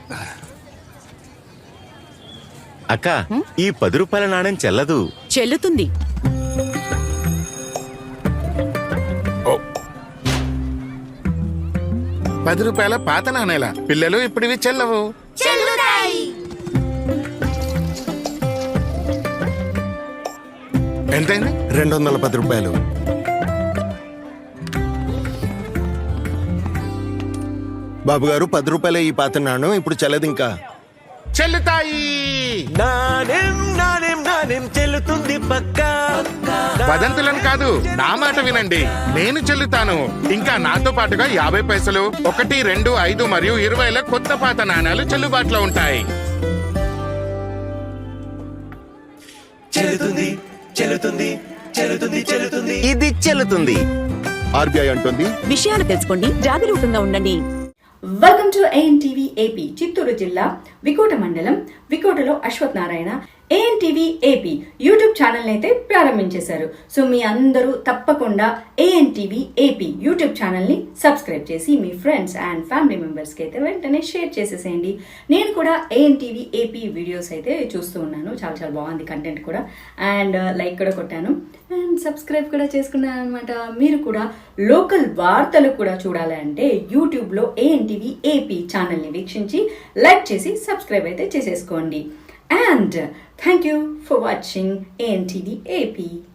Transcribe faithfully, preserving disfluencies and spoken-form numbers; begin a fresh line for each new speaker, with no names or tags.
అక్క, ఈ పది రూపాయల నాణ్యం చెల్లదు.
చెల్లుతుంది.
పది రూపాయల పాత నాణేల పిల్లలు ఇప్పుడివి చెల్లవు. ఎంతైంది?
రెండు వందల పది రూపాయలు. బాబు గారు, పది రూపాయలే ఈ పాత నాణ్యం, ఇప్పుడు చెల్లదు. ఇంకా
చెల్లుతాయి.
నాణ్యం నాణ్యం నాణ్యం చెల్లుతుంది పక్కా.
వదంతులను కాదు, నా మాట వినండి. నేను చెల్లుతాను. ఇంకా నాతో పాటుగా యాభై పైసలు, ఒకటి, రెండు, ఐదు మరియు ఇరవైల కొత్త పాత నాణాలు చెల్లుబాటులో ఉంటాయి.
చెల్లుతుంది చెల్లుతుంది చెల్లుతుంది చెల్లుతుంది ఇది చెల్లుతుంది.
ఆర్బీఐ అంటుంది,
విషయాలు తెలుసుకోండి, జాగరూకంగా ఉండండి.
Welcome to ANTV AP. Chittoor జిల్లా వికోట మండలం వికోటలో Ashwath Narayana ANTV AP YouTube channel అయితే ప్రారంభించేశారు. సో మీ అందరూ తప్పకుండా ఏఎన్టీవీ ఏపీ యూట్యూబ్ ఛానల్ని సబ్స్క్రైబ్ చేసి మీ ఫ్రెండ్స్ అండ్ ఫ్యామిలీ మెంబర్స్కి అయితే వెంటనే షేర్ చేసేసేయండి. నేను కూడా ఏఎన్టీవీ ఏపీ వీడియోస్ అయితే చూస్తూ ఉన్నాను. చాలా చాలా బాగుంది కంటెంట్ కూడా. అండ్ లైక్ కూడా కొట్టాను అండ్ సబ్స్క్రైబ్ కూడా చేసుకున్నాను అనమాట. మీరు కూడా లోకల్ వార్తలు కూడా చూడాలి అంటే యూట్యూబ్లో ఏఎన్టీవీ ఏపీ ఛానల్ని వీక్షించి లైక్ చేసి సబ్స్క్రైబ్ అయితే చేసేసుకోండి. And thank you for watching A N T V A P.